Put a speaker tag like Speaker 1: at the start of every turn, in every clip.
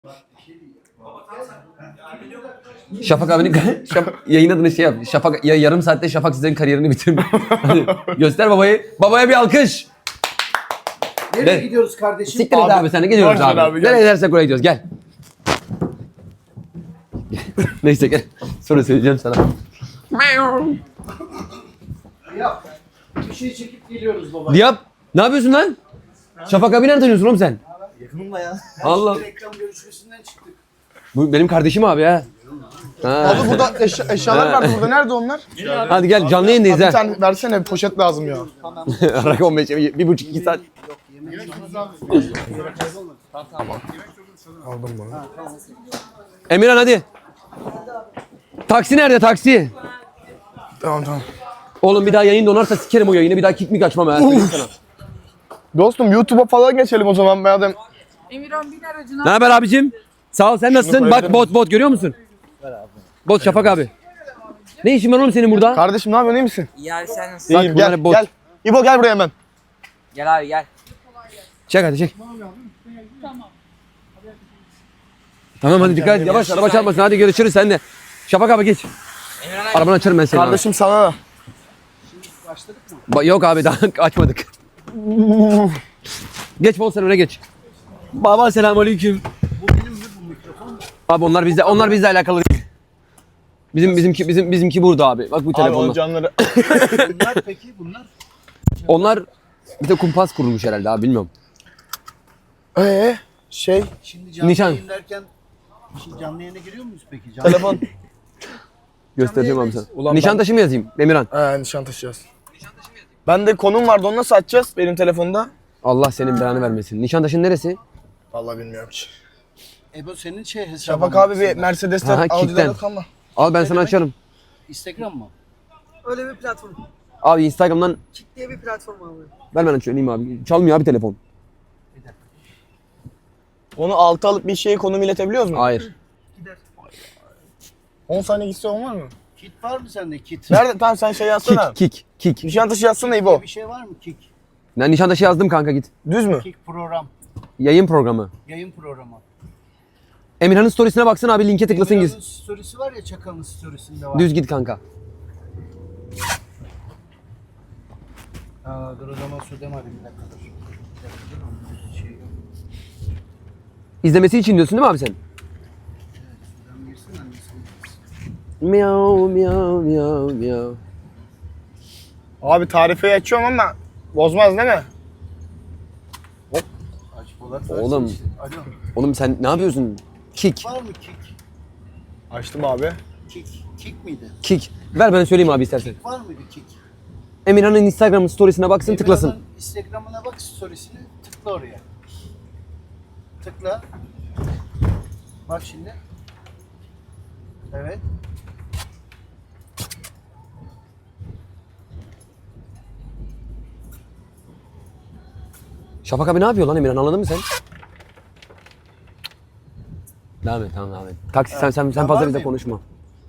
Speaker 1: Şafak abinin yayın adını şey yap. Şafak ya yarım saatte Şafak sizlerin kariyerini bitirdi. Hadi göster babayı. Babaya bir alkış.
Speaker 2: Nereye gidiyoruz kardeşim?
Speaker 1: Siktir et abi sen de gidiyoruz abi. Nereye gidersek oraya gidiyoruz gel. Neyse gel. Sonra söyleyeceğim sana.
Speaker 2: Yap. Bir şey çekip geliyoruz baba.
Speaker 1: Yap. Ne yapıyorsun lan? Şafak abi nereden tanıyorsun oğlum sen?
Speaker 2: Yakınımla ya.
Speaker 1: Allah.
Speaker 2: Reklam görüşmesinden çıktık.
Speaker 1: Bu benim kardeşim abi ha.
Speaker 3: Abi burada eşyalar var burada. Nerede onlar?
Speaker 1: Hadi gel canlı yayındayız
Speaker 3: Bir
Speaker 1: ha.
Speaker 3: tane versene, bir poşet lazım ya.
Speaker 1: Rakı 15, 1,5-2 saat.
Speaker 3: Aldım bunu.
Speaker 1: Emirhan hadi. Taksi nerede taksi?
Speaker 3: Tamam.
Speaker 1: Oğlum bir daha yayın donarsa sikerim o yayını. Bir daha kick mi açmam ha. Söyleyeyim sana.
Speaker 3: Dostum YouTube'a falan geçelim o zaman madem.
Speaker 4: Emirhan bin aracına.
Speaker 1: Ne haber abicim? Sağ ol sen nasılsın? Bak bot görüyor musun? Bot Şafak abi. Ne işin var oğlum senin burada?
Speaker 3: Kardeşim ne yapıyorsun, iyi misin?
Speaker 4: Ya sen nasılsın?
Speaker 3: İyiyim,
Speaker 1: bunlar
Speaker 3: gel
Speaker 1: bot.
Speaker 3: gel. İbo gel buraya hemen.
Speaker 4: Gel abi gel.
Speaker 1: Çek hadi çek. Tamam hadi dikkat et. Yavaş araba çarpmasın. Hadi görüşürüz sen de. Şafak abi geç.
Speaker 4: Emirhan abi.
Speaker 1: Arabanı açarım ben seni.
Speaker 3: Kardeşim sana da.
Speaker 1: Yok abi daha açmadık. Geç bol sen öne geç. Baba selamünaleyküm. Bu benim mi bu mikrofon? Abi onlar bizle alakalı değil. Bizimki burada abi. Bak bu
Speaker 3: Abi
Speaker 1: telefonla.
Speaker 3: o canları.
Speaker 2: Bunlar peki bunlar?
Speaker 1: Onlar bir de kumpas kurulmuş herhalde abi bilmiyorum.
Speaker 2: Şimdi canlı
Speaker 1: Nişan.
Speaker 2: yayın derken şimdi canlı yayına giriyor muyuz peki? Canlı
Speaker 3: Telefon.
Speaker 1: Göstereceğim abi sana.
Speaker 3: Ulan
Speaker 1: Nişantaşı mı yazayım Emirhan?
Speaker 3: Nişan taşıyacağız. Ben de konum vardı, onu nasıl açacağız benim telefonda?
Speaker 1: Allah senin belanı vermesin. Nişantaşı'nın neresi?
Speaker 3: Vallahi bilmiyorum ki.
Speaker 2: Ebo senin hesabın.
Speaker 3: Şafak abi bir Mercedes'ten
Speaker 1: Ha,
Speaker 3: Audi'den
Speaker 1: kickten.
Speaker 3: yok ama.
Speaker 1: Al ben sana açarım.
Speaker 2: Instagram mı?
Speaker 5: Öyle bir platform.
Speaker 1: Abi Instagram'dan
Speaker 5: Kick diye bir platform abi.
Speaker 1: ver ben açayım abi. Çalmıyor abi telefon.
Speaker 3: Onu altı alıp bir şeye konum iletebiliyoruz mu?
Speaker 1: Hayır.
Speaker 3: 10 saniye gitse olmaz mı?
Speaker 2: Kit var mı sende kit?
Speaker 3: Nerede? Tamam sen şey yazsana.
Speaker 1: Kick.
Speaker 3: Nişan taşı yazsana İbo.
Speaker 2: Bir şey var mı kick?
Speaker 1: Ben Nişantaşı yazdım kanka git.
Speaker 3: Düz mü?
Speaker 2: Kick program.
Speaker 1: Yayın programı.
Speaker 2: Yayın programı.
Speaker 1: Emirhan'ın storiesine baksana abi linke tıklasın
Speaker 2: Emirhan'ın
Speaker 1: git.
Speaker 2: storiesi var ya Çakal'ın storiesinde var.
Speaker 1: Düz git kanka.
Speaker 2: Dur o zaman söyledim hadi bir dakika dur. Bir dakika dur onun şey yok.
Speaker 1: İzlemesi için diyorsun değil mi abi sen?
Speaker 2: Şuradan girsin annesini.
Speaker 1: Miau.
Speaker 3: Abi tarifeyi açıyorum ama bozmaz değil mi?
Speaker 2: Aç Polat
Speaker 1: Oğlum.
Speaker 2: versin işte. Alo.
Speaker 1: Oğlum sen ne yapıyorsun? Kick.
Speaker 2: Var mı kick?
Speaker 3: Açtım abi.
Speaker 2: Kick miydi?
Speaker 1: Kick. Ver ben söyleyeyim abi istersen.
Speaker 2: Kick var mıydı kick?
Speaker 1: Emirhan'ın Instagram storiesine baksın tıklasın.
Speaker 2: Emirhan'ın Instagram'ına bak storiesine tıkla oraya. Tıkla. Bak şimdi. Evet.
Speaker 1: Şafak abi ne yapıyor lan Emirhan anladın mı sen? Devam et tamam devam et. Taksi sen
Speaker 2: Ben
Speaker 1: fazla
Speaker 2: var
Speaker 1: bizle
Speaker 2: mıyım?
Speaker 1: konuşma.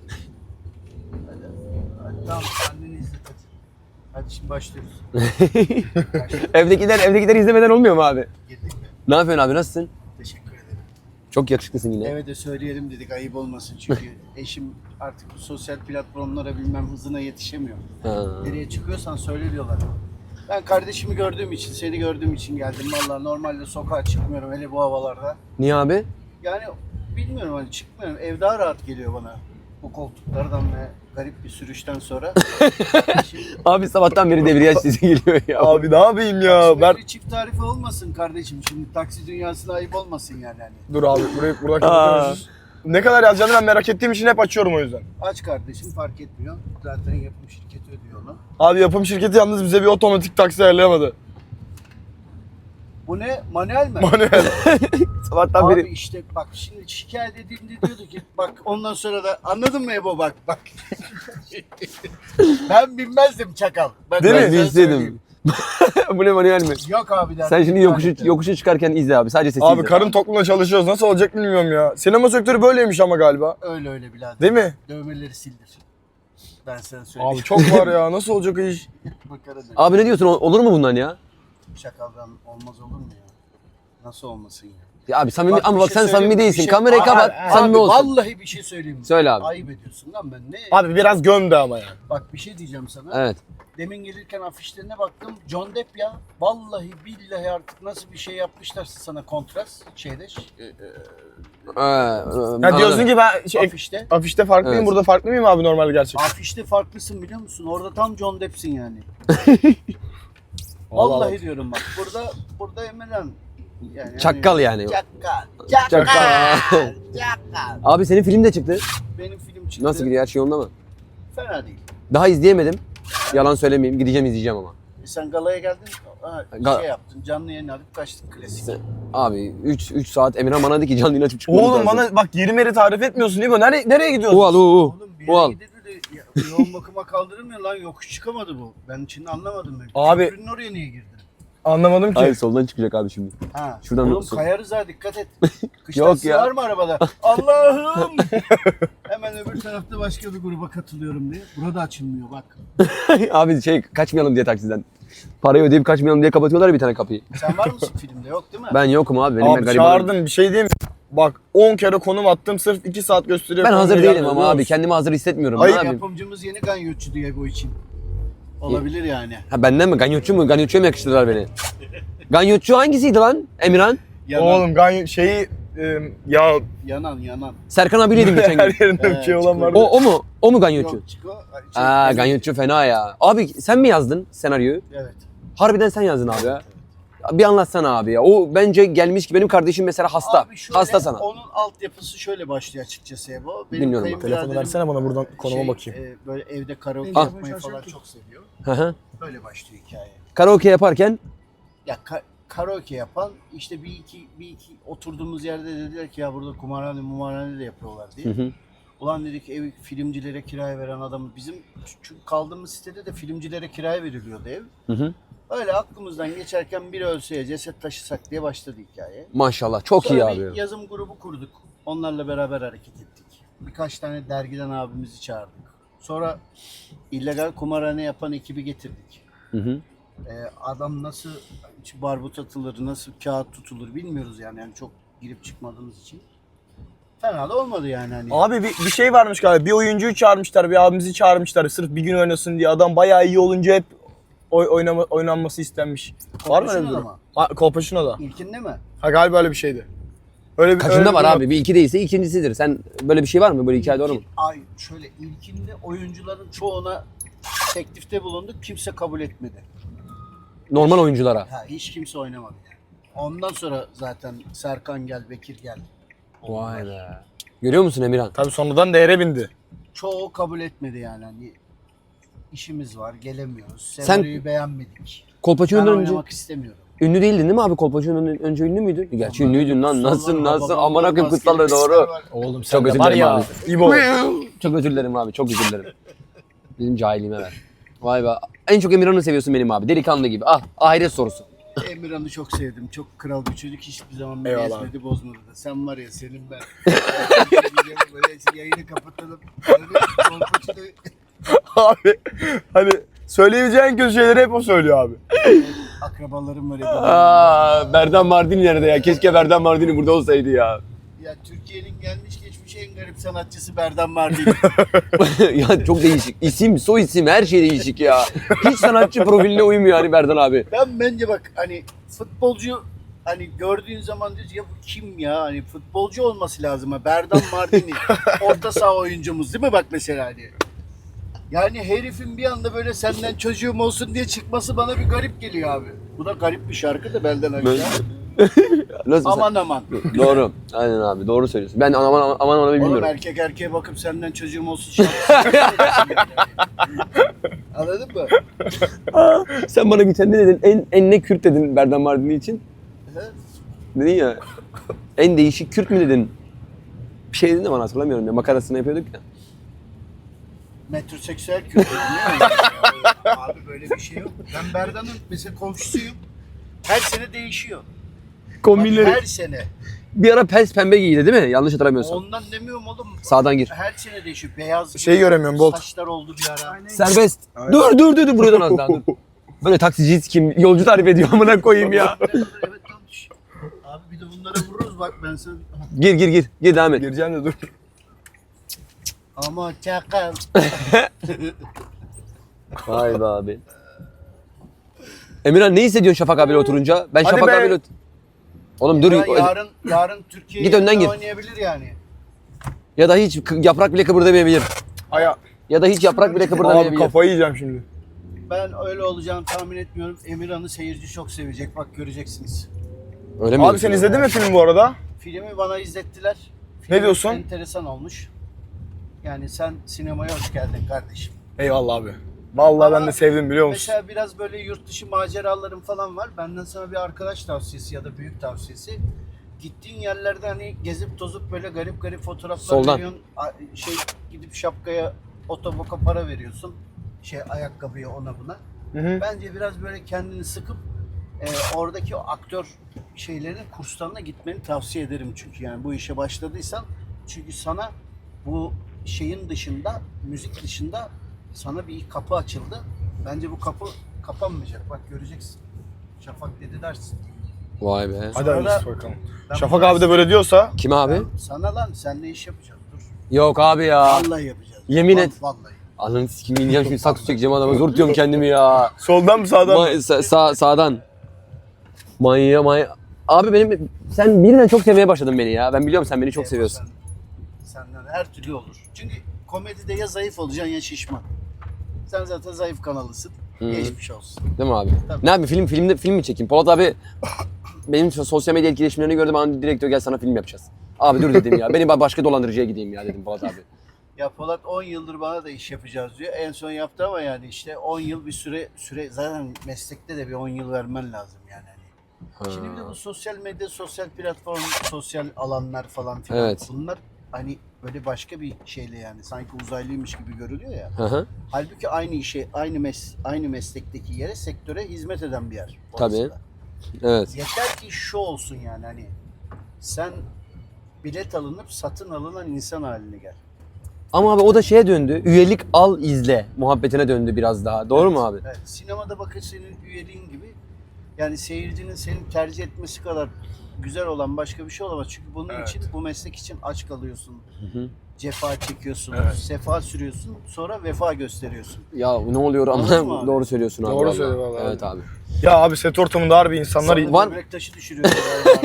Speaker 2: Hadi tamam anneni izlet hadi. Hadi şimdi başlıyoruz.
Speaker 1: Evdekiler izlemeden olmuyor mu abi?
Speaker 2: Girdik mi?
Speaker 1: Ne yapıyorsun abi nasılsın?
Speaker 2: Teşekkür ederim.
Speaker 1: Çok yakışıklısın yine.
Speaker 2: Eve de söyleyelim dedik ayıp olmasın çünkü eşim artık bu sosyal platformlara bilmem hızına yetişemiyor.
Speaker 1: Ha.
Speaker 2: Nereye çıkıyorsan söyle diyorlar. Ben kardeşimi gördüğüm için, seni gördüğüm için geldim. Vallahi normalde sokağa çıkmıyorum hele bu havalarda.
Speaker 1: Niye abi?
Speaker 2: Yani bilmiyorum hani çıkmıyorum. Ev daha rahat geliyor bana. Bu koltuklardan ve garip bir sürüşten sonra. Şimdi
Speaker 1: Abi sabahtan beri debriyaj sesi geliyor ya.
Speaker 3: Abi ne yapayım ya? Ben...
Speaker 2: bir çift tarifi olmasın kardeşim. Şimdi taksi dünyasına ayıp olmasın yani. Hani.
Speaker 3: Dur abi burada kapatıyoruz. Ne kadar yazacağını ben merak ettiğim için hep açıyorum o yüzden.
Speaker 2: Aç kardeşim fark etmiyor. Zaten yapım şirketi ödüyor onu.
Speaker 3: Abi yapım şirketi yalnız bize bir otomatik taksi ayarlayamadı.
Speaker 2: Bu ne? Manuel mi?
Speaker 3: Manuel.
Speaker 1: Sabahtan
Speaker 2: Abi
Speaker 1: beri.
Speaker 2: işte bak şimdi şikayet edildi diyordu ki bak ondan sonra da anladın mı Ebo bak. Ben binmezdim çakal. Ben
Speaker 3: Değil mi?
Speaker 2: sana
Speaker 1: Ben
Speaker 2: söyleyeyim.
Speaker 1: izledim. Bu ne manuel mi?
Speaker 2: Yok abi derdim.
Speaker 1: Sen şimdi yokuşu çıkarken izle abi. Sadece sesi
Speaker 3: Abi
Speaker 1: izle.
Speaker 3: karın tokluğuna çalışıyoruz. Nasıl olacak bilmiyorum ya. Sinema sektörü böyleymiş ama galiba.
Speaker 2: Öyle birader.
Speaker 3: Değil mi?
Speaker 2: Dövmeleri sildir. Ben sana söyleyeyim.
Speaker 3: Abi çok var ya. Nasıl olacak o iş?
Speaker 2: Makara da-
Speaker 1: Abi ne diyorsun? Olur mu bundan ya?
Speaker 2: Şakaldan olmaz olur mu ya? Nasıl olmasın ya?
Speaker 1: Ya abi samimi
Speaker 2: Bak,
Speaker 1: ama
Speaker 2: bir
Speaker 1: bak
Speaker 2: şey
Speaker 1: sen samimi
Speaker 2: söyleyeyim mi?
Speaker 1: değilsin.
Speaker 2: Bir şey-
Speaker 1: Kamerayı
Speaker 2: Abi,
Speaker 1: kapat.
Speaker 2: abi,
Speaker 1: Samimi olsun.
Speaker 2: Vallahi bir şey söyleyeyim mi?
Speaker 1: Söyle abi.
Speaker 2: Ayıp ediyorsun lan ben ne?
Speaker 3: Abi biraz gömdü ama yani.
Speaker 2: Bak bir şey diyeceğim sana.
Speaker 1: Evet.
Speaker 2: Demin gelirken afişlerine baktım. John Depp ya. Vallahi billahi artık nasıl bir şey yapmışlarsa sana kontrast şeyde
Speaker 3: Ya diyorsun ki ben
Speaker 2: afişte.
Speaker 3: afişte farklıyım,
Speaker 1: Evet.
Speaker 3: burada farklı mıyım abi normal gerçekten?
Speaker 2: Afişte farklısın biliyor musun? Orada tam John Depp'sin yani.
Speaker 3: Vallahi
Speaker 2: Vallahi diyorum bak. Burada Emirhan. Yani
Speaker 1: Çakkal yani.
Speaker 2: Çakkal.
Speaker 1: Çakkal.
Speaker 2: Çakkal.
Speaker 1: Abi senin film de çıktı.
Speaker 2: Benim film çıktı.
Speaker 1: Nasıl gidiyor? Her şey yolunda mı?
Speaker 2: Fena değil.
Speaker 1: Daha izleyemedim. Yalan söylemeyeyim. Gideceğim izleyeceğim ama.
Speaker 2: Sen galaya geldin.
Speaker 1: Ga-
Speaker 2: Şey yaptın. Canlı yayın alıp kaçtık klasik.
Speaker 1: Sen- Abi 3 saat Emirhan bana dedi ki canlı yayın açıp çıkmamız
Speaker 3: Oğlum
Speaker 1: lazım.
Speaker 3: bana bak yeri meri tarif etmiyorsun değil mi? Nereye gidiyorsun?
Speaker 1: Ual
Speaker 2: Oğlum bir
Speaker 1: Ual.
Speaker 2: yere gidildi de yoğun bakıma kaldırılmıyor lan. Yokuş çıkamadı bu. Ben şimdi anlamadım ben.
Speaker 3: Abi-
Speaker 2: Köprünün oraya niye girdin?
Speaker 3: Anlamadım ki.
Speaker 1: Hayır soldan çıkacak abi şimdi.
Speaker 2: Ha.
Speaker 1: Şuradan
Speaker 2: Oğlum
Speaker 1: nasıl?
Speaker 2: kayarız ha dikkat et. Kış
Speaker 1: Yok
Speaker 2: taksi
Speaker 1: ya.
Speaker 2: var mı arabada? Allah'ım. Hemen öbür tarafta başka bir gruba katılıyorum diye. Burada açılmıyor bak.
Speaker 1: Abi kaçmayalım diye taksiden. Parayı ödeyip kaçmayalım diye kapatıyorlar bir tane kapıyı.
Speaker 2: Sen var mısın filmde? Yok değil mi?
Speaker 1: Ben yokum abi. Benim
Speaker 3: Abi
Speaker 1: garibanım.
Speaker 3: çağırdın bir şey diyeyim mi? Bak 10 kere konum attım sırf 2 saat gösteriyor.
Speaker 1: Ben hazır
Speaker 3: Konum
Speaker 1: değilim
Speaker 3: gelmiyor,
Speaker 1: ama
Speaker 3: biliyor
Speaker 1: abi.
Speaker 3: musun?
Speaker 1: Kendimi hazır hissetmiyorum.
Speaker 3: Hayır,
Speaker 1: Ne yapayım?
Speaker 2: Yapımcımız yeni ganyotçu Diego için. Olabilir yani.
Speaker 1: Ha benden mi? Ganyotçu mu? Ganyotçuya mı yakıştırdılar beni? Ganyotçu hangisiydi lan Emirhan?
Speaker 2: Yanan,
Speaker 3: Oğlum ya
Speaker 2: yanan.
Speaker 1: Serkan abiyleydim geçen gün.
Speaker 3: her yerinde bir şey olan vardı.
Speaker 1: O mu? O mu Ganyotçu?
Speaker 2: Yok Çiko.
Speaker 1: Aa Ganyotçu fena ya. Abi sen mi yazdın senaryoyu?
Speaker 2: Evet.
Speaker 1: Harbiden sen yazdın abi ya. Bir anlatsana abi ya. O bence gelmiş ki benim kardeşim mesela hasta.
Speaker 2: Abi şöyle,
Speaker 1: Hasta sana.
Speaker 2: Onun altyapısı şöyle başlıyor açıkçası Ebo. Benim
Speaker 1: Dinliyorum bak.
Speaker 3: Telefonu versene bana buradan konuma bakayım.
Speaker 2: Böyle evde karaoke
Speaker 1: Ah.
Speaker 2: yapmayı falan çok seviyor.
Speaker 1: Hı hı.
Speaker 2: Böyle başlıyor hikaye.
Speaker 1: Karaoke yaparken
Speaker 2: Ya karaoke yapan işte bir iki oturduğumuz yerde dediler ki ya burada kumarhane de yapıyorlar diye.
Speaker 1: hı hı.
Speaker 2: Ulan dedik ev filmcilere kiraya veren adamı bizim çünkü kaldığımız sitede de filmcilere kiraya veriliyordu ev.
Speaker 1: Hı hı.
Speaker 2: Öyle aklımızdan geçerken biri ölse ceset taşısak diye başladı hikaye.
Speaker 1: Maşallah çok iyi
Speaker 2: Sonra
Speaker 1: abi.
Speaker 2: bir yazım grubu kurduk. Onlarla beraber hareket ettik. Birkaç tane dergiden abimizi çağırdık. Sonra illegal kumarhane yapan ekibi getirdik.
Speaker 1: Hı hı.
Speaker 2: Adam nasıl barbut atılır, nasıl kağıt tutulur bilmiyoruz yani çok girip çıkmadığımız için. Fena da olmadı yani hani.
Speaker 3: Abi bir şey varmış galiba. Bir oyuncuyu çağırmışlar, bir abimizi çağırmışlar sırf bir gün oynasın diye. Adam bayağı iyi olunca hep oynanması istenmiş. Var mı öyle bir
Speaker 2: Kolpaçino'da
Speaker 3: durum?
Speaker 2: mı?
Speaker 3: Kolpaçino'da.
Speaker 2: İlkinde mi?
Speaker 3: Ha galiba öyle bir şeydi. Öyle bir
Speaker 1: Kaçında
Speaker 3: öyle bir
Speaker 1: var
Speaker 3: durum
Speaker 1: abi? Bir iki değilse ikincisidir. Sen böyle bir şey var mı? Böyle hikaye doğru mu?
Speaker 2: Ay şöyle ilkinde oyuncuların çoğuna teklifte bulunduk. Kimse kabul etmedi.
Speaker 1: Normal oyunculara.
Speaker 2: Ha, hiç kimse oynamadı. Ondan sonra zaten Serkan gel, Bekir gel.
Speaker 1: Vay be. Görüyor musun Emirhan?
Speaker 3: Tabii sonradan değere bindi.
Speaker 2: Çoğu kabul etmedi yani. Hani işimiz var, gelemiyoruz. Senaryoyu beğenmedik. Ben
Speaker 1: Kolpaçino'dan önce
Speaker 2: oynamak istemiyorum.
Speaker 1: ünlü değildin değil mi abi? Kolpaçino'dan önce ünlü müydün? Gerçi ünlüydün lan. Nasıl
Speaker 2: Babamın
Speaker 1: aman akım
Speaker 2: maskeli
Speaker 1: kutsallığı
Speaker 2: kızlar
Speaker 1: doğru.
Speaker 2: var.
Speaker 3: Oğlum
Speaker 1: Çok özür
Speaker 3: var
Speaker 1: dilerim
Speaker 3: ya.
Speaker 1: abi.
Speaker 3: İbo.
Speaker 1: Çok özür dilerim abi. Çok özür dilerim. Bizim cahilliğime ver. Vay be. En çok Emirhan'ı seviyorsun benim abi. Delikanlı gibi. Ah ahiret sorusu.
Speaker 2: Emirhan'ı çok sevdim. Çok kral bir çocuk. Hiçbir zaman beni
Speaker 3: Eyvallah.
Speaker 2: ezmedi, bozmadı da. Sen var ya senin ben. Böyle yayını kapatalım. Kolpaçino'yu
Speaker 3: Abi hani söyleyebileceğin kötü şeyleri hep o söylüyor abi.
Speaker 2: akrabalarım var ya.
Speaker 1: Aa, Berdan Mardini nerede ya? Keşke Berdan Mardini burada olsaydı ya.
Speaker 2: Ya Türkiye'nin gelmiş geçmiş en garip sanatçısı Berdan Mardini.
Speaker 1: Ya çok değişik. İsim, soy isim her şey değişik ya. Hiç sanatçı profiline uymuyor hani Berdan abi.
Speaker 2: Bence bak hani futbolcu hani gördüğün zaman diyorsun ya bu kim ya? Hani futbolcu olması lazım ha. Berdan Mardini. Orta saha oyuncumuz değil mi bak mesela hani. Yani herifin bir anda böyle senden çocuğum olsun diye çıkması bana bir garip geliyor abi. Bu da garip bir şarkı da belden aşağı.
Speaker 1: Nasıl
Speaker 2: Aman aman.
Speaker 1: Doğru. Aynen abi doğru söylüyorsun. Ben aman
Speaker 2: Oğlum
Speaker 1: bilmiyorum.
Speaker 2: erkek erkeğe bakıp senden çocuğum olsun şarkısı. Anladın mı?
Speaker 1: Sen bana geçen ne dedin? En ne Kürt dedin Berdan Mardini için? Dedin ya. En değişik Kürt mü dedin? Bir şey dedin de bana hatırlamıyorum ya. Makarasını yapıyorduk ya.
Speaker 2: Metroseksüel kültür değil mi? Abi böyle bir şey yok. Ben Berdan'ın mesela komşusuyum. Her sene değişiyor. Bak,
Speaker 1: Kombinleri.
Speaker 2: her sene.
Speaker 1: Bir ara pes pembe giydi değil mi? Yanlış hatırlamıyorsam.
Speaker 2: Ondan demiyorum oğlum.
Speaker 1: Sağdan gir.
Speaker 2: Her sene değişiyor. Beyaz
Speaker 3: Şey göremiyorum, Bolt.
Speaker 2: saçlar oldu bir ara.
Speaker 1: Serbest. Dur buradan az daha dur. Böyle taksiciyiz kim? Yolcu tarif ediyor amına koyayım ya.
Speaker 2: Evet tamam. Abi bir de bunlara vururuz dur bak ben sana...
Speaker 1: Gir. Gir devam et.
Speaker 3: Gireceğim de dur.
Speaker 2: Ama çakal.
Speaker 1: Vay be abi. Emirhan ne hissediyorsun Şafak abiyle oturunca? Ben
Speaker 3: Hadi
Speaker 1: Şafak
Speaker 3: be.
Speaker 1: abiyle... Oğlum dur.
Speaker 2: Yarın Türkiye
Speaker 1: Git önden gir.
Speaker 2: oynayabilir yani.
Speaker 1: Ya da hiç yaprak bile kıpırdamayabilir.
Speaker 3: Aya.
Speaker 1: Ya da hiç yaprak bile
Speaker 3: Abi
Speaker 1: kıpırdamayabilir.
Speaker 3: kafayı yiyeceğim şimdi.
Speaker 2: Ben öyle olacağını tahmin etmiyorum. Emirhan'ı seyirci çok sevecek. Bak göreceksiniz.
Speaker 1: Öyle mi?
Speaker 3: Abi sen izledin mi filmi bu arada?
Speaker 2: Filmi bana izlettiler. Film
Speaker 3: Ne diyorsun?
Speaker 2: enteresan olmuş. Yani sen sinemaya hoş geldin kardeşim.
Speaker 3: Eyvallah abi. Vallahi ben
Speaker 2: Ama
Speaker 3: de sevdim biliyor musun?
Speaker 2: Mesela biraz böyle yurt dışı maceralarım falan var. Benden sana bir arkadaş tavsiyesi ya da büyük tavsiyesi. Gittiğin yerlerde hani gezip tozup böyle garip garip fotoğraflar
Speaker 1: Soldan.
Speaker 2: veriyorsun. Gidip şapkaya, otoboka para veriyorsun. Ayakkabıya ona buna.
Speaker 3: Hı hı.
Speaker 2: Bence biraz böyle kendini sıkıp oradaki o aktör şeylerin kurslarına gitmeni tavsiye ederim çünkü yani bu işe başladıysan çünkü sana bu şeyin dışında, müzik dışında sana bir kapı açıldı. Bence bu kapı kapanmayacak. Bak göreceksin. Şafak dedi dersin.
Speaker 1: Vay be.
Speaker 3: Hadi
Speaker 2: Sonra
Speaker 3: hayırlısı bakalım.
Speaker 2: ben
Speaker 3: Şafak
Speaker 2: bu
Speaker 3: abi de böyle diyorsa
Speaker 1: Kim abi?
Speaker 2: sana lan senle iş yapacağız. Dur.
Speaker 1: Yok abi ya.
Speaker 2: Vallahi yapacağız.
Speaker 1: Yemin et.
Speaker 2: Vallahi.
Speaker 1: Ananı sikeyim ineceğim şimdi saksı çekeceğim adama. Zor tutuyorum kendimi ya.
Speaker 3: soldan mı sağdan mı?
Speaker 1: Sağdan. Manya. Abi sen birine çok sevmeye başladın beni ya. Ben biliyorum sen beni çok seviyorsun.
Speaker 2: Senden her türlü olur. Çünkü komedide ya zayıf olacaksın ya şişman. Sen zaten zayıf kanalısın.
Speaker 1: Hı.
Speaker 2: Geçmiş olsun.
Speaker 1: Değil mi abi?
Speaker 2: Tabii.
Speaker 1: Ne yapayım film mi çekeyim? Polat abi benim sosyal medya etkileşimlerini gördüm. Bana direktör gel sana film yapacağız. Abi dur dedim ya. Beni başka dolandırıcıya gideyim ya dedim Polat abi.
Speaker 2: Ya Polat 10 yıldır bana da iş yapacağız diyor. En son yaptı ama yani işte 10 yıl bir süre zaten meslekte de bir 10 yıl vermen lazım yani. Şimdi bir de bu sosyal medya, sosyal platform, sosyal alanlar falan filan.
Speaker 1: Evet.
Speaker 2: Bunlar hani böyle başka bir şeyle yani sanki uzaylıymış gibi görülüyor ya.
Speaker 1: Hı hı.
Speaker 2: Halbuki aynı işe, aynı meslekteki yere, sektöre hizmet eden bir yer. orası
Speaker 1: Tabii.
Speaker 2: da.
Speaker 1: Evet.
Speaker 2: Yeter ki şu olsun yani hani sen bilet alınıp satın alınan insan haline gel.
Speaker 1: Ama abi o da şeye döndü. Üyelik al izle muhabbetine döndü biraz daha. Doğru mu abi?
Speaker 2: Evet, sinemada bakın senin üyeliğin gibi yani seyircinin seni tercih etmesi kadar güzel olan başka bir şey olamaz. Çünkü bunun için, bu meslek için aç kalıyorsun.
Speaker 1: hı.
Speaker 2: Cefa çekiyorsun,
Speaker 3: Evet.
Speaker 2: sefa sürüyorsun, sonra vefa gösteriyorsun.
Speaker 1: Ya ne oluyor
Speaker 2: Anladın mı
Speaker 1: ama
Speaker 2: abi?
Speaker 1: doğru söylüyorsun abi.
Speaker 3: Doğru
Speaker 1: vallahi.
Speaker 3: söylüyor vallahi.
Speaker 1: Evet abi.
Speaker 3: Ya abi set ortamında harbi insanlar...
Speaker 2: Sonra
Speaker 1: Var-
Speaker 2: böbrek taşı düşürüyorsun.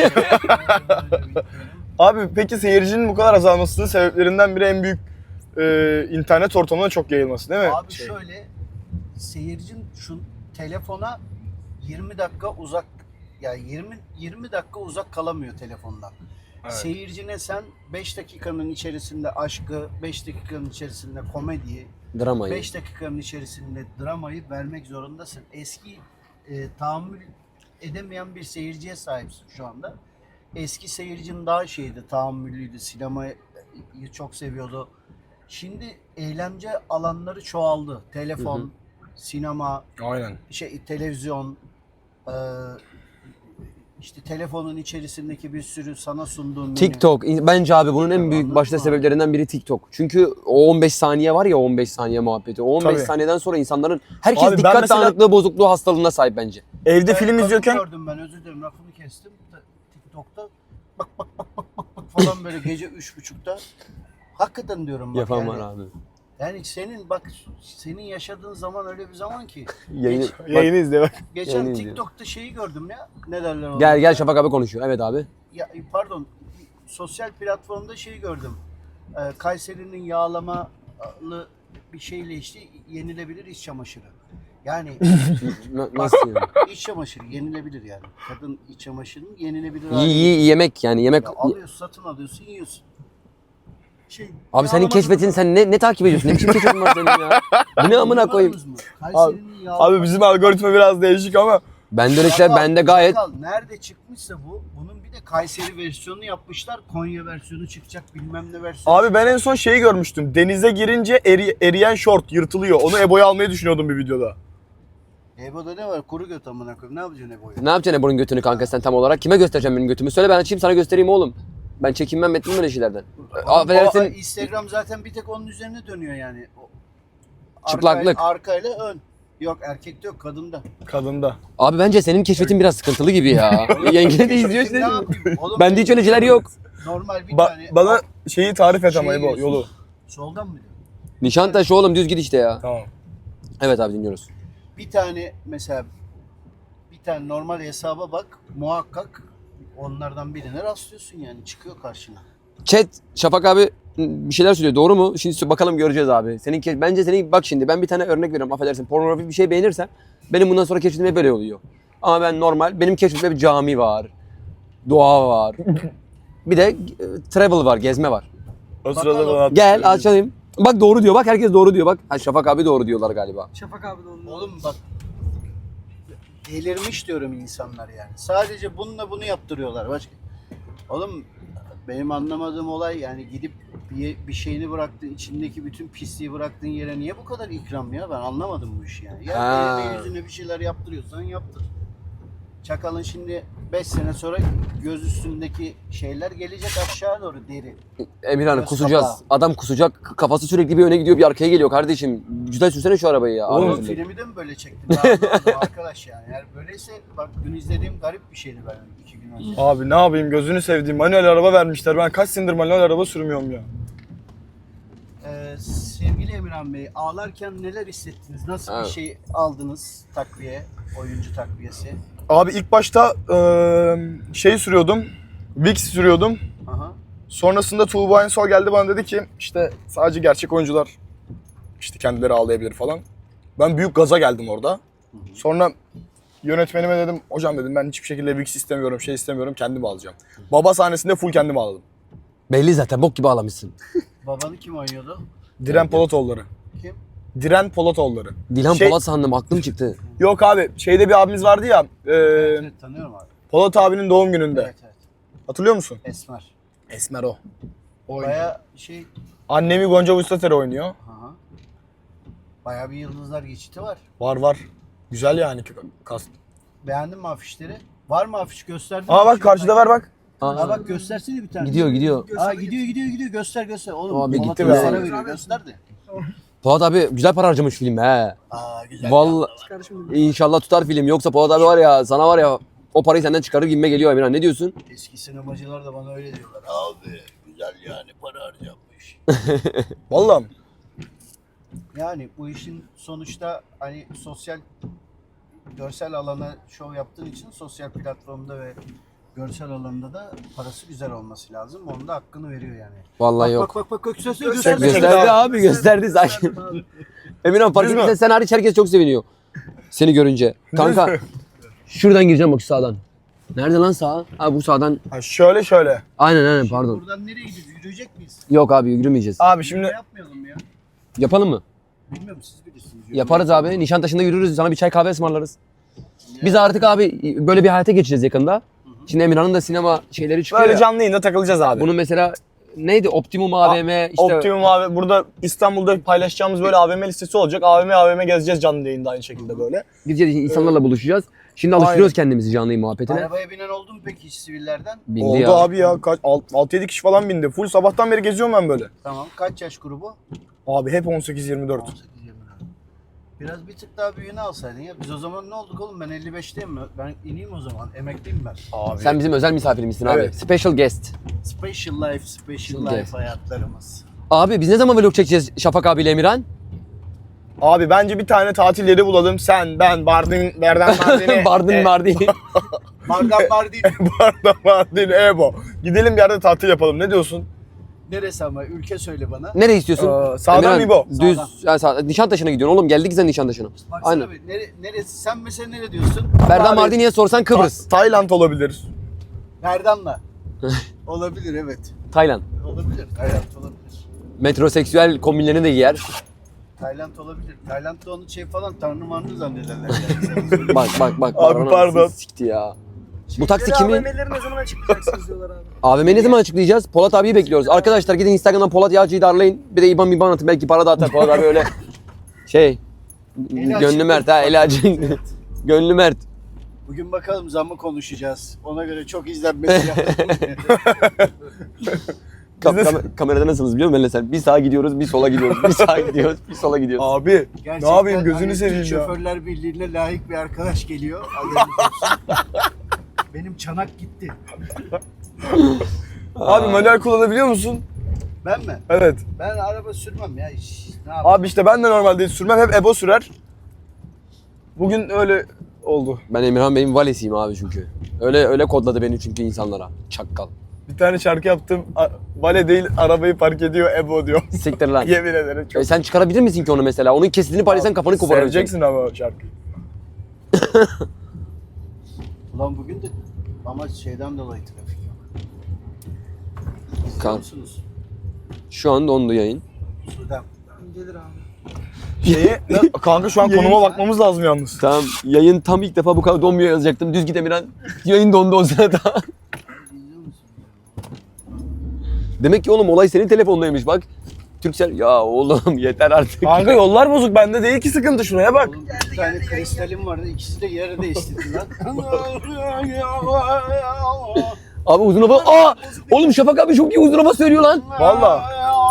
Speaker 3: Abi peki seyircinin bu kadar azalmasının sebeplerinden biri en büyük internet ortamına çok yayılması değil mi?
Speaker 2: Abi şöyle, seyircin şu telefona 20 dakika uzak, yani 20 dakika uzak kalamıyor telefondan.
Speaker 3: Evet.
Speaker 2: Seyircine sen 5 dakikanın içerisinde aşkı, 5 dakikanın içerisinde komediyi,
Speaker 1: Dramayı.
Speaker 2: 5 dakikanın içerisinde dramayı vermek zorundasın. Eski tahammül edemeyen bir seyirciye sahipsin şu anda. Eski seyircinin daha şeydi, tahammüllüydü, sinemayı çok seviyordu. Şimdi eğlence alanları çoğaldı. Telefon, sinema,
Speaker 3: Aynen.
Speaker 2: televizyon, işte telefonun içerisindeki bir sürü sana sunduğum menü.
Speaker 1: TikTok. Bence abi bunun en büyük
Speaker 2: Anladın
Speaker 1: başta
Speaker 2: mı?
Speaker 1: sebeplerinden biri TikTok. Çünkü o 15 saniye var ya, 15 saniye muhabbeti. O 15
Speaker 3: Tabii.
Speaker 1: saniyeden sonra insanların herkes
Speaker 3: Abi ben
Speaker 1: dikkat
Speaker 3: mesela-
Speaker 1: dağınıklığı bozukluğu hastalığına sahip bence.
Speaker 3: Evde film
Speaker 2: kadın
Speaker 3: izliyorken
Speaker 2: gördüm ben, özür dilerim lafını kestim. TikTok'ta bak falan böyle gece 3.30'da. Hakikaten diyorum bak
Speaker 1: Yapan
Speaker 2: yani.
Speaker 1: var abi.
Speaker 2: Yani senin yaşadığın zaman öyle bir zaman ki.
Speaker 1: Yayını,
Speaker 3: yayını izle bak.
Speaker 2: Geçen
Speaker 1: Yayını izliyorum.
Speaker 2: TikTok'ta şeyi gördüm ya. Ne derler ona?
Speaker 1: gel Şafak abi konuşuyor. Evet abi.
Speaker 2: Ya, pardon. Sosyal platformda şeyi gördüm. Kayseri'nin yağlamalı bir şeyle işte yenilebilir iç çamaşırı. Yani
Speaker 1: Nasıl yani?
Speaker 2: iç çamaşırı yenilebilir yani. Kadın iç çamaşırının yenilebilir
Speaker 1: Yemek yani yemek.
Speaker 2: Ya alıyorsun, satın alıyorsun, yiyorsun.
Speaker 1: Abi senin keşfetin sen ne takip ediyorsun? Ne biçim keşfetin var senin ya? Bu ne amına koyayım?
Speaker 2: Kayseri'nin
Speaker 3: Abi bizim algoritma biraz değişik ama
Speaker 1: Bende öyle şeyler bende gayet.
Speaker 2: Nerede çıkmışsa bunun bir de Kayseri versiyonunu yapmışlar. Konya versiyonu çıkacak, bilmem ne versiyonu.
Speaker 3: abi ben en son şeyi görmüştüm. Denize girince eriyen şort yırtılıyor. Onu Ebo'ya almayı düşünüyordum bir videoda.
Speaker 2: Ebo'da ne var? Kuru göt amına koyayım. Ne yapacaksın Ebo'yu?
Speaker 1: Ne yapacaksın Ebru'nun götünü kanka sen tam olarak? Kime göstereceğim benim götümü? Söyle ben açayım sana göstereyim oğlum. Ben çekinmem etmem öyle şeylerden. Affedersin.
Speaker 2: Instagram zaten bir tek onun üzerine dönüyor yani.
Speaker 1: Çıplaklık.
Speaker 2: Arkayla ön. Yok erkekte yok kadında.
Speaker 3: Kadında.
Speaker 1: Abi bence senin keşfetin biraz sıkıntılı gibi ya. Yenge de izliyor
Speaker 2: Ne
Speaker 1: işte.
Speaker 2: yapayım? Oğlum,
Speaker 1: Bende hiç öyle şeyler yok.
Speaker 2: Normal bir tane.
Speaker 3: Bana şeyi tarif et ama
Speaker 2: Şeyi
Speaker 3: bu
Speaker 2: diyorsun.
Speaker 3: yolu.
Speaker 2: Soldan mı diyor?
Speaker 1: Nişantaşı oğlum düz git işte ya.
Speaker 3: Tamam.
Speaker 1: Evet abi dinliyoruz.
Speaker 2: Bir tane mesela bir tane normal hesaba bak muhakkak onlardan birine rastlıyorsun yani çıkıyor karşına.
Speaker 1: Chat Şafak abi bir şeyler söylüyor doğru mu? Şimdi bakalım göreceğiz abi. Bence senin bak şimdi ben bir tane örnek veriyorum affedersin. Pornografik bir şey beğenirsem benim bundan sonra keşfetim hep böyle oluyor. Ama ben normal benim keşfetimde bir cami var. Doğa var. Bir de travel var, gezme var.
Speaker 3: O sırada bana
Speaker 1: Gel açalım. Bak doğru diyor. Bak herkes doğru diyor. Bak ha, Şafak abi doğru diyorlar galiba.
Speaker 5: Şafak abi de onun.
Speaker 2: Oğlum bak delirmiş diyorum insanlar yani. Sadece bununla bunu yaptırıyorlar. Başka. Oğlum benim anlamadığım olay yani gidip bir şeyini bıraktın, içindeki bütün pisliği bıraktığın yere niye bu kadar ikram ya? Ben anlamadım bu işi yani. Ya
Speaker 1: Ha.
Speaker 2: eline yüzüne bir şeyler yaptırıyorsan yaptır. Çakalın şimdi 5 sene sonra göz üstündeki şeyler gelecek aşağı doğru deri.
Speaker 1: Emirhan
Speaker 2: Göz
Speaker 1: kusacağız.
Speaker 2: kapağı.
Speaker 1: Adam kusacak. Kafası sürekli bir öne gidiyor bir arkaya geliyor kardeşim. Güzel sürsene şu arabayı ya.
Speaker 3: Oğlum,
Speaker 1: Abi.
Speaker 2: Filmi de mi böyle çektin? Ben anlamadım arkadaş yani. Eğer böyleyse bak dün izlediğim garip bir şeydi ben 2 gün önce.
Speaker 3: Abi ne yapayım gözünü sevdiğim manuel araba vermişler. Ben kaç senedir manuel araba sürmüyorum ya.
Speaker 2: Sevgili Emirhan Bey, ağlarken neler hissettiniz? Nasıl
Speaker 1: Evet.
Speaker 2: bir şey aldınız takviye, oyuncu takviyesi?
Speaker 3: Abi ilk başta şey sürüyordum. Vicks sürüyordum.
Speaker 2: Aha.
Speaker 3: Sonrasında Tuğba Ensol geldi bana dedi ki işte sadece gerçek oyuncular işte kendileri ağlayabilir falan. Ben büyük gaza geldim orada. Sonra yönetmenime dedim hocam dedim ben hiçbir şekilde Vicks istemiyorum şey istemiyorum kendim alacağım. Baba sahnesinde full kendim ağladım.
Speaker 1: Belli zaten bok gibi ağlamışsın.
Speaker 2: Babanı kim oynuyordu?
Speaker 3: Diren Polatoğulları.
Speaker 2: Kim?
Speaker 3: Diren Polatoğulları.
Speaker 1: Dilan
Speaker 3: Şey-
Speaker 1: Polat sandım aklım çıktı.
Speaker 3: Yok abi şeyde bir abimiz vardı ya
Speaker 2: Evet, tanıyorum abi.
Speaker 3: Polat abinin doğum gününde.
Speaker 2: Evet evet.
Speaker 3: Hatırlıyor musun?
Speaker 2: Esmer.
Speaker 3: Esmer o.
Speaker 2: Baya şey,
Speaker 3: Annemi Gonca Vustater oynuyor.
Speaker 2: aha. Baya bir yıldızlar geçiti var.
Speaker 3: Var. Güzel yani kast.
Speaker 2: Beğendin mi afişleri? Var mı afiş gösterdin?
Speaker 3: Aa bak karşıda ver bak.
Speaker 2: Aa bak göstersene bir tane.
Speaker 1: Gidiyor.
Speaker 2: Aa gidiyor göster. Oğlum
Speaker 1: Abi
Speaker 2: Polat
Speaker 1: gitti
Speaker 2: Bey
Speaker 3: be.
Speaker 2: sana veriyor göster de.
Speaker 1: Polat abi güzel para harcamış film he.
Speaker 2: Aa güzel.
Speaker 1: Vallahi
Speaker 5: Kardeşim
Speaker 1: inşallah tutar film. Yoksa Polat abi var ya sana var ya o parayı senden çıkarır gibime geliyor Emirhan. Ne diyorsun?
Speaker 2: Eski sinemacılar da bana öyle diyorlar. Abi güzel yani para harcanmış.
Speaker 3: Vallahi.
Speaker 2: Yani bu işin sonuçta hani sosyal görsel alana şov yaptığın için sosyal platformda ve görsel alanda da parası güzel olması lazım. Onun da hakkını veriyor yani.
Speaker 1: Vallahi yok.
Speaker 2: Bak göster.
Speaker 1: Gösterdi abi gösterdi sakin. Emirhan fark
Speaker 3: Düz mü?
Speaker 1: ettiysen sen hariç herkes çok seviniyor. Seni görünce. Kanka şuradan gireceğim bak şu sağdan. Nerede lan sağ? Ha bu sağdan.
Speaker 3: Ha, şöyle.
Speaker 1: Aynen pardon.
Speaker 2: Buradan nereye gidiyoruz? Yürüyecek miyiz?
Speaker 1: Yok abi yürümeyeceğiz.
Speaker 3: Abi şimdi
Speaker 2: Yapmayalım ya.
Speaker 1: Yapalım mı?
Speaker 2: Bilmiyorum siz bilirsiniz.
Speaker 1: Yaparız abi. Nişantaşı'nda yürürüz. Sana bir çay kahve ısmarlarız. Biz artık abi böyle bir hayata geçeceğiz yakında. Şimdi Emirhan'ın da sinema şeyleri çıkıyor
Speaker 3: böyle
Speaker 1: ya.
Speaker 3: canlı yayında takılacağız abi.
Speaker 1: Bunun mesela neydi? Optimum AVM işte.
Speaker 3: Optimum abi burada İstanbul'da paylaşacağımız böyle AVM listesi olacak. AVM gezeceğiz canlı yayında aynı şekilde böyle.
Speaker 1: Gideceğiz insanlarla buluşacağız. Şimdi alıştırıyoruz kendimizi canlı yayın muhabbetine.
Speaker 2: Arabaya binen oldu mu peki hiç sivillerden?
Speaker 1: Bindi
Speaker 3: Oldu
Speaker 1: ya.
Speaker 3: abi ya. Kaç 6-7 kişi falan bindi. Full sabahtan beri geziyorum ben böyle.
Speaker 2: Tamam. Kaç yaş grubu?
Speaker 3: Abi hep 18-24.
Speaker 2: 18-24. Biraz bir tık daha büyüğünü alsaydın ya. Biz o zaman ne olduk oğlum? Ben 55'teyim mi? Ben ineyim o zaman. Emekliyim ben.
Speaker 3: Abi.
Speaker 1: Sen bizim özel misafirimizsin abi.
Speaker 3: Evet.
Speaker 1: Special guest.
Speaker 2: Special life
Speaker 1: Guest.
Speaker 2: hayatlarımız.
Speaker 1: Abi biz ne zaman vlog çekeceğiz Şafak abiyle Emirhan?
Speaker 3: Abi bence bir tane tatil yeri bulalım. Sen, ben, Berdan Mardin'i.
Speaker 1: Bardın Mardin.
Speaker 2: Bardan var değil.
Speaker 3: Berdan Mardin, Ebo. Gidelim bir yerde tatil yapalım. Ne diyorsun?
Speaker 2: Neresi ama? Ülke söyle bana.
Speaker 1: Nereye istiyorsun?
Speaker 3: Sağdan
Speaker 1: Emirhan,
Speaker 3: mı İbo?
Speaker 1: Düz.
Speaker 2: Sağdan.
Speaker 1: Yani Nişantaşı'na gidiyorsun oğlum. Geldik sen Nişantaşı'na.
Speaker 2: Baksana
Speaker 1: Aynen.
Speaker 2: bir. Neresi? Sen mesela nere diyorsun?
Speaker 1: Berdan
Speaker 3: Abi-
Speaker 1: Mardin'e sorsan Kıbrıs.
Speaker 3: Tayland olabilir.
Speaker 2: Berdan'la. Olabilir evet.
Speaker 1: Tayland.
Speaker 2: Olabilir. Tayland olabilir.
Speaker 1: Metroseksüel kombinlerini de giyer.
Speaker 2: Tayland olabilir. Tayland'da onu şey falan tanrı manrı zannederler.
Speaker 1: Bak.
Speaker 3: Abi
Speaker 1: Baron
Speaker 3: pardon.
Speaker 1: anasını sikti ya. Bu taksi
Speaker 5: Geri
Speaker 1: kimin?
Speaker 5: AVM'leri ne zaman açıklayacaksınız diyorlar abi.
Speaker 1: AVM ne zaman açıklayacağız? Polat abiyi bekliyoruz. Arkadaşlar gidin Instagram'dan Polat Yağcı'yı da arayın. Bir de İban atın belki para da atar. Polat abi öyle şey.
Speaker 2: Eli
Speaker 1: Gönlü
Speaker 2: açık.
Speaker 1: Mert ha eli açık. Gönlü Mert.
Speaker 2: Bugün bakalım zammı konuşacağız. Ona göre çok izlenmesi lazım.
Speaker 1: Kamerada nasılsınız biliyor musun Benle sen? Bir sağa gidiyoruz, bir sola gidiyoruz, bir sağa gidiyoruz, bir sola gidiyoruz.
Speaker 3: Abi
Speaker 2: Gerçekten
Speaker 3: ne yapayım gözünü
Speaker 2: hani
Speaker 3: seveyim
Speaker 2: Türk
Speaker 3: ya.
Speaker 2: Şoförler Birliği'ne layık bir arkadaş geliyor. Haberiniz olsun. Benim çanak gitti.
Speaker 3: Abi manuel kullanabiliyor musun?
Speaker 2: Ben mi?
Speaker 3: Evet.
Speaker 2: Ben araba sürmem ya. Ne yapayım?
Speaker 3: Abi işte ben de normalde sürmem, hep Ebo sürer. Bugün öyle oldu.
Speaker 1: Ben Emirhan Bey'in valesiyim abi çünkü. Öyle kodladı beni çünkü insanlara. Çakkal.
Speaker 3: Bir tane şarkı yaptım. Vale değil arabayı park ediyor Ebo diyor.
Speaker 1: Siktir lan.
Speaker 3: Yemin ederim çok.
Speaker 1: Sen çıkarabilir misin ki onu mesela? Onun kesitini paylaşsan kafanı koparır.
Speaker 3: Seveceksin ama o şarkıyı.
Speaker 2: Ulan bugün de ama şeyden dolayı trafik yok. İzliyor
Speaker 1: Kan.
Speaker 2: musunuz?
Speaker 1: Şu an dondu yayın.
Speaker 2: Sudan.
Speaker 5: Gelir abi.
Speaker 3: Şeyi, kanka şu an konuma bakmamız lazım yalnız.
Speaker 1: Tamam yayın tam ilk defa bu kadar donmuyor yazacaktım. Düz git Emirhan. Yayın dondu o sırada.
Speaker 2: İzliyor musun?
Speaker 1: Demek ki oğlum olay senin telefondaymış bak. Türksel ya oğlum yeter artık.
Speaker 3: Kanka yollar bozuk, bende değil ki sıkıntı, şuraya bak.
Speaker 2: Oğlum bir tane kristalim vardı. İkisi de yere değiştirdi lan.
Speaker 1: Abi uzun hava. Aa! Oğlum Şafak abi çok iyi uzun hava söylüyor lan.
Speaker 3: Valla.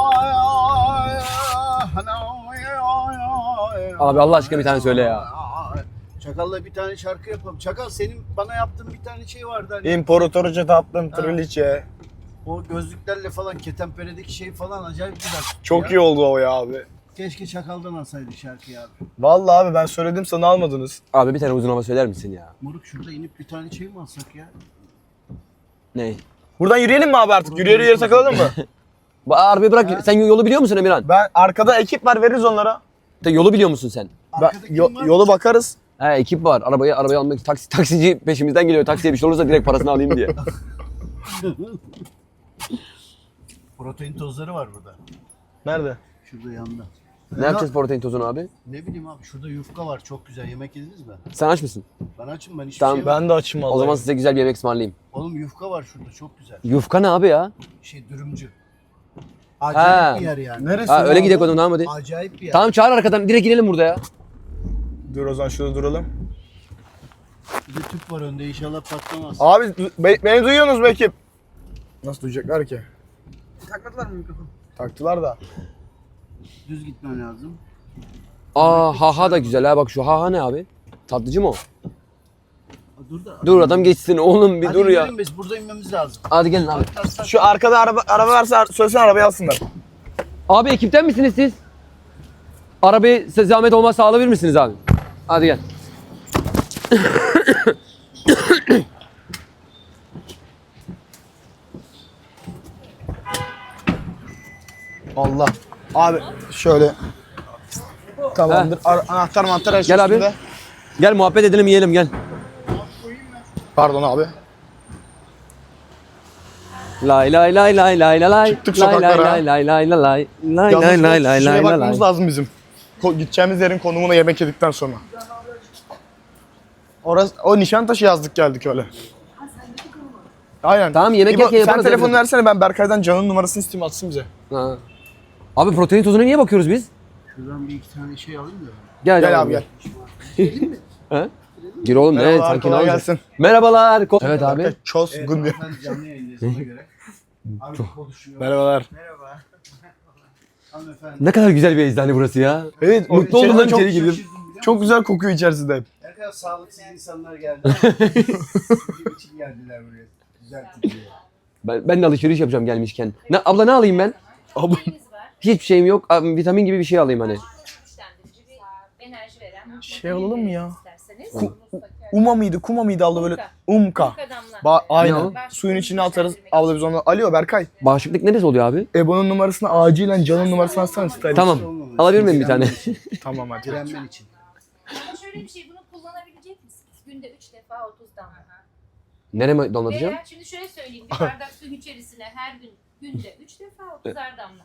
Speaker 1: Abi Allah aşkına bir tane söyle ya.
Speaker 2: Çakal'la bir tane şarkı yapalım. Çakal senin bana yaptığın bir tane şey vardı hani.
Speaker 3: İmparatorca tatlım triliçe.
Speaker 2: O gözlüklerle falan ketenperedeki şey falan acayip güzel.
Speaker 3: Çok
Speaker 2: ya.
Speaker 3: iyi oldu o ya abi.
Speaker 2: Keşke Çakal'dan alsaydık şarkıyı abi.
Speaker 3: Valla abi ben söyledim sana almadınız.
Speaker 1: Abi bir tane uzun hava söyler misin ya?
Speaker 2: Moruk şurada inip bir tane şey mi alsak ya?
Speaker 1: Ne?
Speaker 3: Buradan yürüyelim mi abi artık? Yürüye yürüye takılalım mı?
Speaker 1: Arabayı bırak. Sen yolu biliyor musun Emirhan?
Speaker 3: Ben arkada ekip var, veririz onlara.
Speaker 1: Yolu biliyor musun sen?
Speaker 2: Arkada kim var?
Speaker 3: Yolu bakarız.
Speaker 1: He ekip var. Arabayı almak taksici peşimizden geliyor. Taksiye bir şey olursa direkt parasını alayım diye.
Speaker 2: Protein tozları var burada.
Speaker 3: Nerede?
Speaker 2: Şurada yanında.
Speaker 1: Ne yapacağız protein tozunu abi?
Speaker 2: Ne bileyim abi şurada yufka var çok güzel. Yemek yediniz mi?
Speaker 1: Sen aç mısın?
Speaker 2: Ben açım ben hiçbir
Speaker 1: Tamam,
Speaker 2: şey yemedim.
Speaker 3: Ben de açım vallahi.
Speaker 1: O zaman size güzel bir yemek ısmarlayayım.
Speaker 2: Oğlum yufka var şurada çok güzel.
Speaker 1: Yufka ne abi ya?
Speaker 2: Şey dürümcü. Acayip
Speaker 1: Ha.
Speaker 2: bir yer yani.
Speaker 3: Neresi?
Speaker 1: Ha öyle gidelim o zaman tamam hadi.
Speaker 2: Acayip bir yer.
Speaker 1: Tamam çağır arkadan direkt inelim burada ya.
Speaker 3: Dur o zaman şurada duralım.
Speaker 2: Bir de tüp var önde inşallah patlamaz.
Speaker 3: Abi beni duyuyorsunuz mu ekip? Nasıl duyacaklar ki?
Speaker 5: Takmadılar mı mikrofonu?
Speaker 3: Taktılar da.
Speaker 2: Düz gitmen lazım.
Speaker 1: Haha da güzel ha bak şu haha ne abi? Tatlıcı mı o?
Speaker 2: Dur da.
Speaker 1: Dur adam geçsin oğlum bir
Speaker 2: Hadi
Speaker 1: dur ya.
Speaker 2: gidelim biz burada inmemiz lazım.
Speaker 1: Hadi gelin abi.
Speaker 3: Şu arkada araba varsa söylesene arabayı alsınlar.
Speaker 1: Abi ekipten misiniz siz? Arabayı size zahmet olmazsa alabilir misiniz abi? Hadi gel.
Speaker 3: Allah. Abi şöyle. Tamamdır. Anahtar mantar her şey
Speaker 1: Gel abi.
Speaker 3: üstünde.
Speaker 1: Gel muhabbet edelim yiyelim gel.
Speaker 3: Pardon abi.
Speaker 1: Lay lay lay lay lay lay lay.
Speaker 3: Çıktık
Speaker 1: Lay lay
Speaker 3: sokaklara.
Speaker 1: lay lay lay lay lay. Lay
Speaker 3: Yalnız
Speaker 1: lay lay lay
Speaker 3: şuraya
Speaker 1: lay
Speaker 3: bakmamız
Speaker 1: lay.
Speaker 3: lazım bizim. Gideceğimiz yerin konumuna yemek yedikten sonra. Orası, o Nişantaşı yazdık geldik öyle. Aynen.
Speaker 1: Tamam, yemek
Speaker 3: İbo,
Speaker 1: yerken
Speaker 3: sen
Speaker 1: yaparız
Speaker 3: telefonu
Speaker 1: evde.
Speaker 3: versene, ben Berkay'dan Can'ın numarasını isteyeyim, atsın bize.
Speaker 1: Ha. Abi protein tozuna niye bakıyoruz biz?
Speaker 2: Şuradan bir iki tane şey alayım da.
Speaker 1: Gel
Speaker 3: Gel abi gel.
Speaker 1: He? Gir oğlum ne
Speaker 3: Merhabalar,
Speaker 1: sanki ne
Speaker 3: kolay
Speaker 1: olacak?
Speaker 3: gelsin.
Speaker 1: Merhabalar. Evet abi.
Speaker 3: Berkay, Ços
Speaker 2: Evet,
Speaker 3: gün diyor.
Speaker 2: hanımefendi canlı yayındayız ona göre. Abi konuşuyor.
Speaker 3: Merhabalar.
Speaker 2: Merhaba. Hanımefendi.
Speaker 1: Ne kadar güzel bir eczane burası ya.
Speaker 3: Evet,
Speaker 1: Mutlu oldum lan içeri girdim.
Speaker 2: Şaşırdım biliyor musun?
Speaker 3: Çok güzel kokuyor içerisinde hep.
Speaker 2: Ne kadar sağlıksız insanlar geldi. Bizim için geldiler buraya. Güzel tutuyor.
Speaker 1: Ben de alışveriş yapacağım gelmişken. Abla ne alayım ben?
Speaker 3: Abla.
Speaker 1: Hiçbir şeyim yok. Abi, vitamin gibi bir şey alayım hani.
Speaker 6: Güçlendirici bir enerji veren.
Speaker 3: Şey alalım mı ya?
Speaker 6: İsterseniz.
Speaker 3: Uma mıydı, kuma mıydı abla böyle? Umka.
Speaker 6: Adamlar.
Speaker 3: Aynen.
Speaker 6: Ne o?
Speaker 3: Suyun içine atarız. Abla biz onu. Alo Berkay.
Speaker 1: Bağışıklık neresi oluyor abi?
Speaker 3: Ebo'nun numarasını acilen Can'ın numarasını atsana stylist.
Speaker 1: Tamam. Alabilir miyim bir tane?
Speaker 3: Tamam hadi.
Speaker 2: Direnmen için.
Speaker 6: Ama şöyle bir şey, bunu kullanabilecek misiniz? Günde 3 defa 30 damla.
Speaker 1: Nereye damlatacağım?
Speaker 6: Veya şimdi şöyle söyleyeyim, bir bardak suyun içerisine her gün günde 3 defa 30'ar damla.